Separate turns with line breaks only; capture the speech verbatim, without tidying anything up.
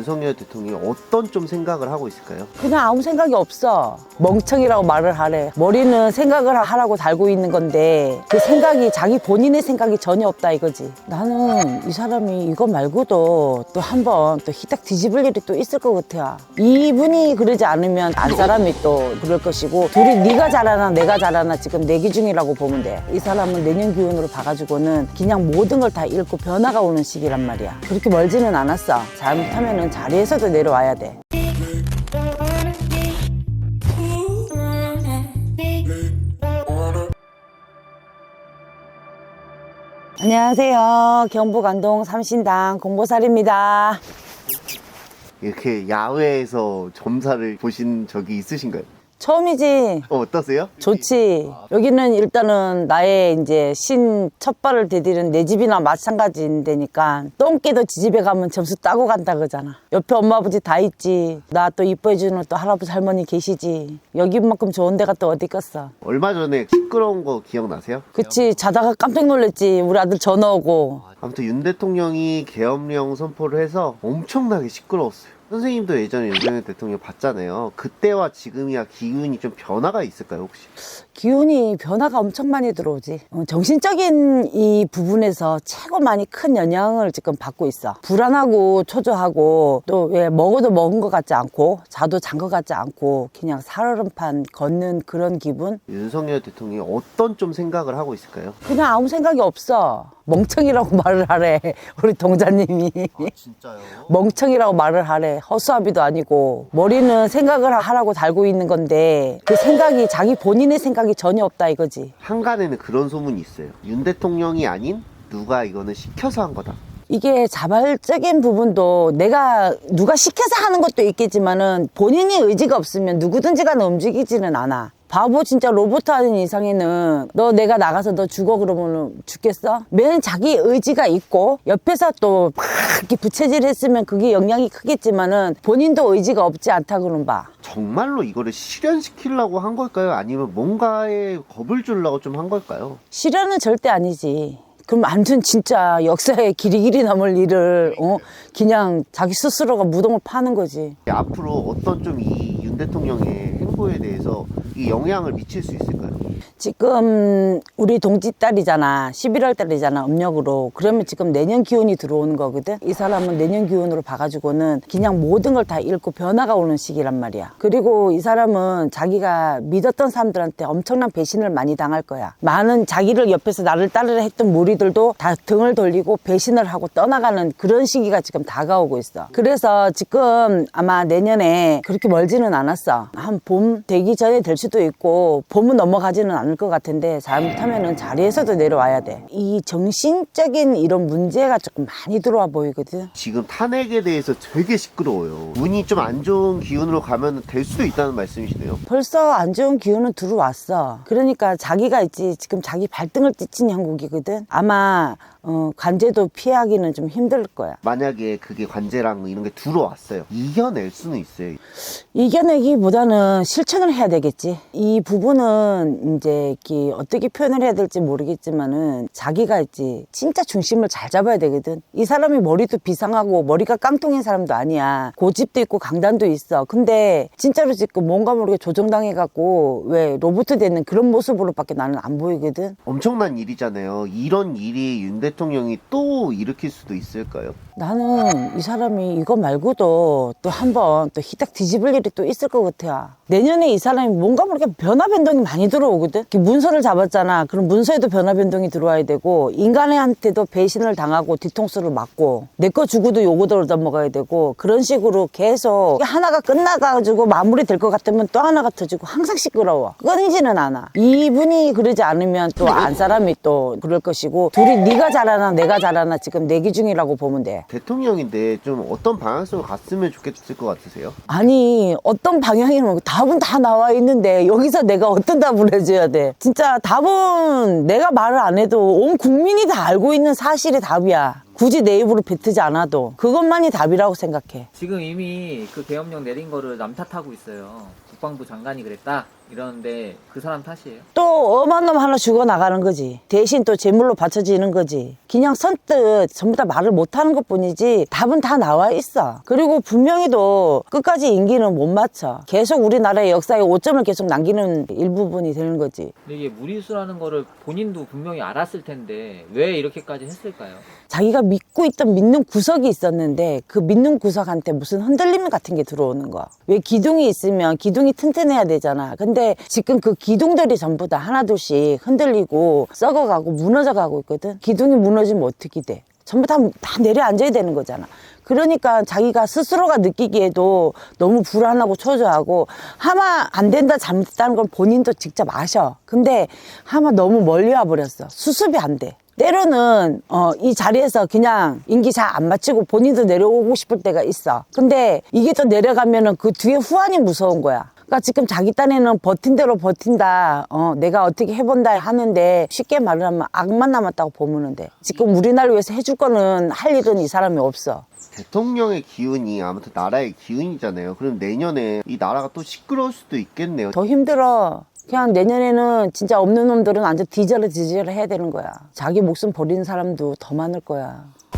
윤석열 대통령이 어떤 좀 생각을 하고 있을까요?
그냥 아무 생각이 없어. 멍청이라고 말을 하래. 머리는 생각을 하라고 달고 있는 건데 그 생각이 자기 본인의 생각이 전혀 없다 이거지. 나는 이 사람이 이거 말고도 또 한 번 또 희딱 뒤집을 일이 또 있을 것 같아. 이분이 그러지 않으면 안 사람이 또 그럴 것이고, 둘이 네가 잘하나 내가 잘하나 지금 내기 중이라고 보면 돼. 이 사람은 내년 기운으로 봐가지고는 그냥 모든 걸 다 잃고 변화가 오는 시기란 말이야. 그렇게 멀지는 않았어. 잘못하면은 자리에서도 내려와야 돼. 안녕하세요. 경북 안동 삼신당 공보살입니다.
이렇게 야외에서 점사를 보신 적이 있으신가요?
처음이지.
어, 어떠세요?
좋지. 여기는 일단은 나의 이제 신 첫발을 디디는 내 집이나 마찬가지인 데니까 똥개도 지집에 가면 점수 따고 간다 그러잖아. 옆에 엄마 아버지 다 있지. 나 또 이뻐해주는 또 할아버지 할머니 계시지. 여기만큼 좋은 데가 또 어디 있겠어.
얼마 전에 시끄러운 거 기억나세요?
그치. 자다가 깜짝 놀랐지. 우리 아들 전화 오고.
아무튼 윤 대통령이 계엄령 선포를 해서 엄청나게 시끄러웠어요. 선생님도 예전에 윤석열 대통령 봤잖아요. 그때와 지금이야 기운이 좀 변화가 있을까요, 혹시?
기운이 변화가 엄청 많이 들어오지. 어, 정신적인 이 부분에서 최고 많이 큰 영향을 지금 받고 있어. 불안하고 초조하고 또 왜 먹어도 먹은 것 같지 않고 자도 잔 것 같지 않고 그냥 살얼음판 걷는 그런 기분?
윤석열 대통령이 어떤 좀 생각을 하고 있을까요?
그냥 아무 생각이 없어. 멍청이라고 말을 하래. 우리 동자님이.
아, 진짜요?
멍청이라고 말을 하래. 허수아비도 아니고. 머리는 생각을 하라고 달고 있는 건데 그 생각이 자기 본인의 생각이 전혀 없다 이거지.
한간에는 그런 소문이 있어요. 윤 대통령이 아닌 누가 이거는 시켜서 한 거다.
이게 자발적인 부분도 내가 누가 시켜서 하는 것도 있겠지만은 본인이 의지가 없으면 누구든지 간에 움직이지는 않아. 바보 진짜 로봇 하는 이상에는 너 내가 나가서 너 죽어 그러면 죽겠어? 맨 자기 의지가 있고 옆에서 또 막 이렇게 부채질 했으면 그게 영향이 크겠지만은 본인도 의지가 없지 않다 그런 봐.
정말로 이거를 실현시키려고 한 걸까요? 아니면 뭔가에 겁을 주려고 좀 한 걸까요?
실현은 절대 아니지. 그럼 완전 진짜 역사의 길이 길이 남을 일을 어 그냥 자기 스스로가 무덤을 파는 거지.
앞으로 어떤 좀 이 윤 대통령의 행보에 대해서 이 영향을 미칠 수 있을까요?
지금 우리 동지 딸이잖아. 십일월 달이잖아. 음력으로. 그러면 지금 내년 기운이 들어오는 거거든. 이 사람은 내년 기운으로 봐가지고는 그냥 모든 걸 다 잃고 변화가 오는 시기란 말이야. 그리고 이 사람은 자기가 믿었던 사람들한테 엄청난 배신을 많이 당할 거야. 많은 자기를 옆에서 나를 따르려 했던 무리들도 다 등을 돌리고 배신을 하고 떠나가는 그런 시기가 지금 다가오고 있어. 그래서 지금 아마 내년에 그렇게 멀지는 않았어. 한 봄 되기 전에 될 수도 있고 봄은 넘어가지는 않을 것 같은데 잘못하면은 자리에서도 내려와야 돼. 이 정신적인 이런 문제가 조금 많이 들어와 보이거든.
지금 탄핵에 대해서 되게 시끄러워요. 운이 좀 안 좋은 기운으로 가면 될 수도 있다는 말씀이시네요.
벌써 안 좋은 기운은 들어왔어. 그러니까 자기가 있지 지금 자기 발등을 찢은 형국이거든. 아마 어, 관제도 피하기는 좀 힘들 거야.
만약에 그게 관제랑 이런 게 들어왔어요. 이겨낼 수는 있어요.
이겨내기보다는 실천을 해야 되겠지. 이 부분은 이제 이렇게 어떻게 표현을 해야 될지 모르겠지만은 자기가 있지 진짜 중심을 잘 잡아야 되거든. 이 사람이 머리도 비상하고 머리가 깡통인 사람도 아니야. 고집도 있고 강단도 있어. 근데 진짜로 지금 뭔가 모르게 조정당해갖고 왜 로봇 되는 그런 모습으로밖에 나는 안 보이거든.
엄청난 일이잖아요. 이런 일이 윤 대통령이 또 일으킬 수도 있을까요?
나는 이 사람이 이거 말고도 또 한 번 또 희딱 뒤집을 일이 또 있을 것 같아. 내년에 이 사람이 뭔가 모르게 변화 변동이 많이 들어오거든. 문서를 잡았잖아. 그럼 문서에도 변화 변동이 들어와야 되고 인간한테도 배신을 당하고 뒤통수를 맞고 내 거 주고도 요거대로 넘어가야 되고 그런 식으로 계속 하나가 끝나가지고 마무리될 것 같으면 또 하나가 터지고 항상 시끄러워. 끊이지는 않아. 이분이 그러지 않으면 또 안 사람이 또 그럴 것이고 둘이 네가 잘하나 내가 잘하나 지금 내기 중이라고 보면 돼.
대통령인데 좀 어떤 방향성으로 갔으면 좋겠을 것 같으세요?
아니 어떤 방향이면 답은 다 나와 있는데 여기서 내가 어떤 답을 해줘야 돼. 진짜 답은 내가 말을 안 해도 온 국민이 다 알고 있는 사실이 답이야. 굳이 내 입으로 뱉지 않아도 그것만이 답이라고 생각해.
지금 이미 그 계엄령 내린 거를 남 탓하고 있어요. 국방부 장관이 그랬다 이러는데 그 사람 탓이에요?
또 엄한 놈 하나 죽어나가는 거지. 대신 또 제물로 바쳐지는 거지. 그냥 선뜻 전부 다 말을 못하는 것뿐이지 답은 다 나와 있어. 그리고 분명히도 끝까지 임기는 못 맞춰. 계속 우리나라의 역사에 오점을 계속 남기는 일부분이 되는 거지.
근데 이게 무리수라는 거를 본인도 분명히 알았을 텐데 왜 이렇게까지 했을까요?
자기가 믿고 있던 믿는 구석이 있었는데 그 믿는 구석한테 무슨 흔들림 같은 게 들어오는 거야. 왜 기둥이 있으면 기둥이 튼튼해야 되잖아. 근데 지금 그 기둥들이 전부 다 하나둘씩 흔들리고 썩어가고 무너져가고 있거든. 기둥이 무너지면 어떻게 돼? 전부 다, 다 내려앉아야 되는 거잖아. 그러니까 자기가 스스로가 느끼기에도 너무 불안하고 초조하고 하마 안 된다 잘못했다는 건 본인도 직접 아셔. 근데 하마 너무 멀리 와버렸어. 수습이 안 돼. 때로는 어, 이 자리에서 그냥 임기 잘 안 마치고 본인도 내려오고 싶을 때가 있어. 근데 이게 또 내려가면은 그 뒤에 후환이 무서운 거야. 그러니까 지금 자기 딴에는 버틴 대로 버틴다. 어, 내가 어떻게 해본다 하는데 쉽게 말을 하면 악만 남았다고 보면 돼. 지금 우리나라를 위해서 해줄 거는 할 일은 이 사람이 없어.
대통령의 기운이 아무튼 나라의 기운이잖아요. 그럼 내년에 이 나라가 또 시끄러울 수도 있겠네요.
더 힘들어. 그냥 내년에는 진짜 없는 놈들은 완전 뒤져라 뒤져라 해야 되는 거야. 자기 목숨 버리는 사람도 더 많을 거야.